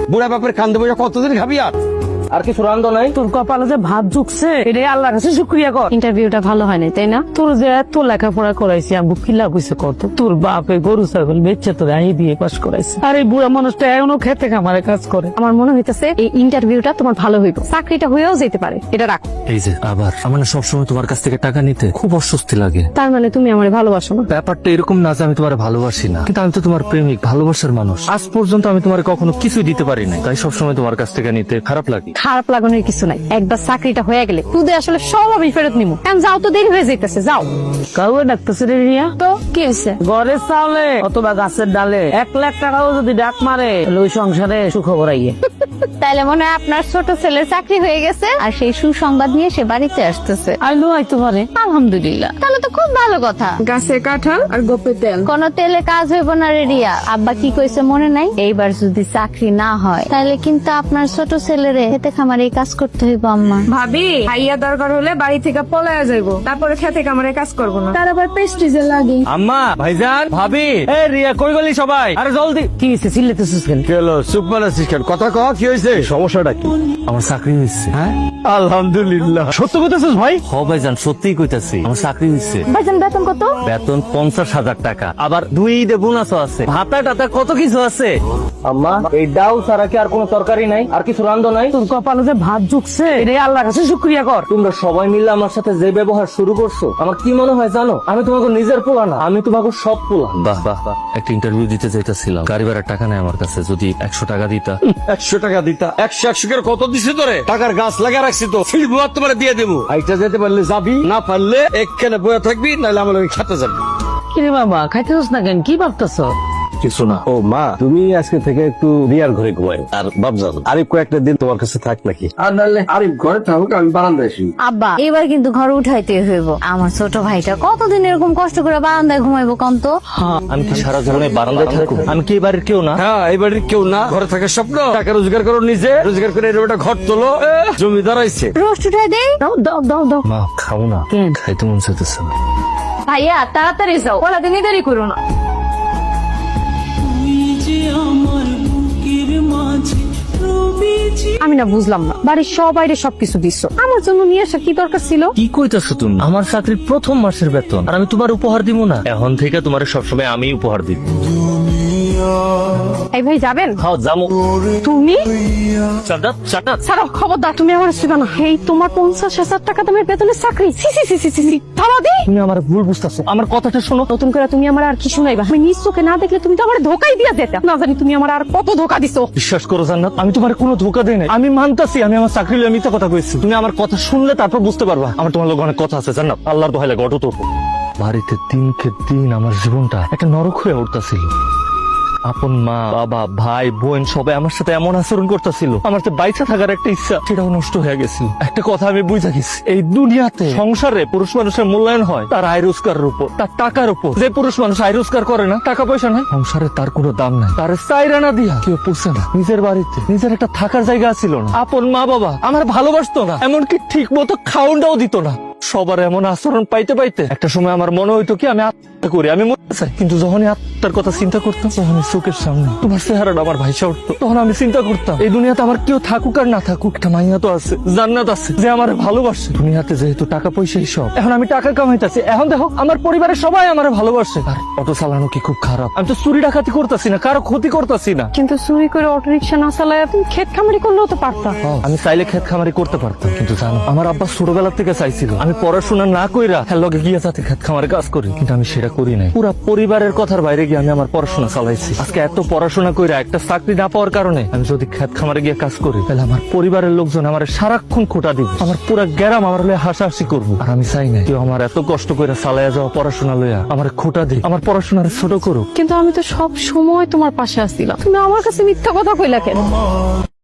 বুড়া বাপের কান্দে বসে কতদিন খাবি আর কি সুরান্দ নাই? তোর কপালে যে ভাত ঝুকছে এটাই আল্লাহর কাছে শুক্রিয়া কর। ইন্টারভিউটা ভালো হয় নাই তাই না? তোর যে এত লেখাপড়া করাইছি আমি কি লাভ হয়েছে কত? তোর বাপে গরু ছাগল বেচে তোর আই দিয়ে পাস করাইছে, আর এই বুড়া মানুষটা এখনো খেতে খামারে কাজ করে। আমার মনে হইতেছে এই ইন্টারভিউটা তোমার ভালো হইব, চাকরিটা হয়েও যেতে পারে। এটা রাখো। এই যে আবার আমার সবসময় তোমার কাছ থেকে টাকা নিতে খুব অস্বস্তি লাগে। তার মানে তুমি আমার ভালোবাসো না? ব্যাপারটা এরকম না যে আমি তোমার ভালোবাসি না, কিন্তু আমি তো তোমার প্রেমিক, ভালোবাসার মানুষ। আজ পর্যন্ত আমি তোমার কখনো কিছুই দিতে পারি না, তাই সবসময় তোমার কাছ থেকে নিতে খারাপ লাগে। খারাপ লাগানোর কিছু নাই, একবার চাকরিটা হয়ে গেলে তুই আসলে সব আমি ফেরত নিবো। কারণ যাও তো দেরি হয়ে যাইতেছে, যাও। কাউকে ডাকতেছে রে রিয়া? তো কি হয়েছে? ঘরের চাউলে অথবা গাছের ডালে 1 লাখ টাকাও যদি ডাক মারে ওই সংসারে সুখবর আইয়ে। তাইলে মনে হয় আপনার ছোট ছেলের চাকরি হয়ে গেছে আর সেই সুসংবাদ নিয়ে সে বাড়িতে আসতেছে। আইলো আইতে পারে, আলহামদুলিল্লাহ, তাহলে তো খুব ভালো কথা। গাছে কাঁঠাল আর গোপে তেল। কোন তেলে কাজ হইব না রে রিয়া। আব্বা কি কইছে মনে নাই? এইবার যদি চাকরি না হয় তাহলে কিন্তু আপনার ছোট ছেলেরে খেতে খামারে কাজ করতে হইব। আম্মা ভাবি ভাইয়া দরকার হলে বাড়ি থেকে পলায়া যাইবো, তারপরে খেতে কামড়ে কাজ করবো না। তার আবার প্রেস্টিজে লাগে। আম্মা, ভাইজান, ভাবি, এ রিয়া কই গেলি সবাই? আরে জলদি। কি হয়েছে? চিল্লাতেছিস কেন? কি হলো? চুপ মারাছিস কেন? কথা কহ, কি হয়েছে? সমস্যাটা কি? আমার চাকরি হয়েছে। হ্যাঁ, আলহামদুলিল্লাহ। সত্য কইতেছিস ভাই? হ ভাইজান, সত্যিই কইতাছি, আমার চাকরি হয়েছে। ভাইজান বেতন কত? বেতন 50,000 টাকা, আবার 2 ঈদে বোনাসও আছে, ভাতা টাতা কত কিছু আছে। আম্মা, এই ডাউ ছাড়া কি আর কোনো তরকারি নাই? আর কি সুরান্দ নাই? তোর কপালে যে ভাত ঝুকছে এটাই আল্লাহর কাছে শুক্রিয়া কর। তোমরা সবাই মিলে আমার সাথে যে ব্যবহার শুরু করছো, আমার কি মনে হয় জানো? আমি তোমাকে নিজের পোলা না, আমি তোমাকে সব পোলা। বাহ বাহ বাহ, একটা ইন্টারভিউ দিতে চাইতেছিলাম, গাড়ি ভাড়ার টাকা নেই আমার কাছে, যদি 100 টাকা দিতা। 100 টাকা দিতা? 100 করে কত দিছে তোরে? টাকার গাছ লাগা রাখছি তো, ফিল্ড বুয়া তোমার দিয়ে দেবো। আইটা যেতে পারলে যাবি, না পারলে এখানে বয়ে থাকবি, নাহলে আমার ওই খেতে যাবি। কিরে বাবা, খাইতেছিস না কেন? কি ভাবতেছ? কিছু না। ও মা, তুমি আজকে থেকে একটু রিয়ার ঘরে ঘুমাই। আর বাবজান, আরিফ কয়েকটা দিন তোমার কাছে থাক নাকি? আর নাহলে আরিফ ঘরে থাকুক, আমি বারান্দায় শুই। আব্বা এবার কিন্তু ঘর উঠাইতে হইব। আমার ছোট ভাইটা কতদিন এরকম কষ্ট করে বারান্দায় ঘুমাইবো কন্ত? আমি কি সারা জীবনে বারান্দায় থাকবো? আমি কি এবারের কেউ না? হ্যাঁ, এই বাড়ির কেউ না। ঘরে থাকার স্বপ্ন, টাকা রোজগার করো নিজে, রোজগার করে এরকম একটা ঘর তোলো। জমি দাঁড়াইছে। রোস্ট উঠাই দেই। দাও দাও দাও দাও। মা খাও না, কেন? খাইতে মন চাইতেছে না। ভাইয়া তাড়াতাড়ি যাও, ওরা দিনই দেরি করো না। আমি না বুঝলাম না, বাড়ির সবাইরে সবকিছু দিচ্ছ, আমার জন্য নিয়ে আসা কি দরকার ছিল? কি কইতাছো তুমি? আমার চাকরির প্রথম মাসের বেতন, আর আমি তোমার উপহার দিব না? এখন থেকে তোমার সবসময় আমি উপহার দিব। এই ভাই যাবেন? খাও জামু। তুমি চাটা চাটা। ছাড়ো, খবরদার, তুমি আমার আসবে না। এই তোমার 50,000 টাকা দামের বেতনের চাকরি? সি সি সি সি সি, থামা দি। তুমি আমার ভুল বুঝতেছো, আমার কথাটা শোনো। নতুন করে তুমি আমার আর কি শুনাইবা? আমি নিজ চোখে না দেখলে তুমি তো আমার ধোকাই দিয়া যেতে। না জানি তুমি আমার আর কত ধোকা দিছো। বিশ্বাস করো জান্নাত, আমি তোমার কোনো ধোকা দেই নাই। আমি মানতাছি আমি আমার চাকরি লইয়া মিথ্যা কথা কইছি। তুমি আমার কথা শুনলে তারপর বুঝতে পারবা আমার তোমার লোক অনেক কথা আছে। জান্নাত, আল্লাহর দোহাই লাগে, অটো তো বাড়িতে দিনকে দিন আমার জীবনটা একটা নরক হয়ে উঠতাছিল। আপন মা, বাবা, ভাই, বোন সবাই আমার সাথে এমন আচরণ করতেছিল, আমার যে বাইচা থাকার একটা ইচ্ছা সেটাও নষ্ট হয়ে গেছিল। একটা কথা আমি বুঝা গেছি, এই দুনিয়াতে সংসারে পুরুষ মানুষের মূল্যায়ন হয় তার আয় রোজগারের উপর, তার টাকার উপর। যে পুরুষ মানুষ আয় রোজগার করে না, টাকা পয়সা নাই, সংসারে তার কোনো দাম নাই। তার চাইরানা দিয়া কেউ পুষছে না। নিজের বাড়িতে নিজের একটা থাকার জায়গা ছিল না। আপন মা বাবা আমার ভালোবাসতো না, এমনকি ঠিক মতো খাওয়াটাও দিত না। সবার এমন আচরণ পাইতে পাইতে একটা সময় আমার মনে হইতো কি আমি আত্মহত্যা করি, আমি মরতে চাই। কিন্তু যখনই আত্মার কথা চিন্তা করতাম, যখনই চোখের সামনে তোমার চেহারাটা আমার ভাইসা উঠতো, তখন আমি চিন্তা করতাম এই দুনিয়াতে আমার কেউ থাকুক আর না থাকুক, একটা মাইয়া তো আছে, জান্নাত আছে, যে আমার ভালোবাসে। দুনিয়াতে যেহেতু টাকা পয়সাই সব, এখন আমি টাকা কামাইতেছি, এখন দেখো আমার পরিবারের সবাই আমার ভালোবাসে। আর অটো চালানো কি খুব খারাপ? আমি তো চুরি ডাকাতি করতেছি না, কারো ক্ষতি করতেছি না। কিন্তু চুরি করে অটোরিকশা না চালায় তুমি ক্ষেত খামারি করলেও তো পারতা। আমি চাইলে ক্ষেত খামারি করতে পারতাম, কিন্তু জানো আমার আব্বা ছোটবেলা থেকে চাইছিল আমি পড়াশোনা না কইরা হ্যাঁ লগে গিয়ে যাতে ক্ষেত খামারে কাজ করি, কিন্তু আমি সেটা করি নাই। পুরা পরিবারের কথার বাইরে গিয়ে আমি আমার পড়াশোনা চালাইছি। আজকে এত পড়াশোনা কইরা একটা চাকরি না পাওয়ার কারণে আমি যদি ক্ষেত খামারে গিয়ে কাজ করি, তাহলে আমার পরিবারের লোকজন আমার সারাক্ষণ খোটা দিব, আমার পুরা গ্রাম আমার হলে হাসাহাসি করবো। আর আমি চাই না কেউ আমার এত কষ্ট করে চালাইয়া যাওয়া পড়াশোনা লইয়া আমার খোটা দিই, আমার পড়াশোনার ছোট করুক। কিন্তু আমি তো সব সময় তোমার পাশে আসছিলাম, তুমি আমার কাছে মিথ্যা কথা কইলা কেন?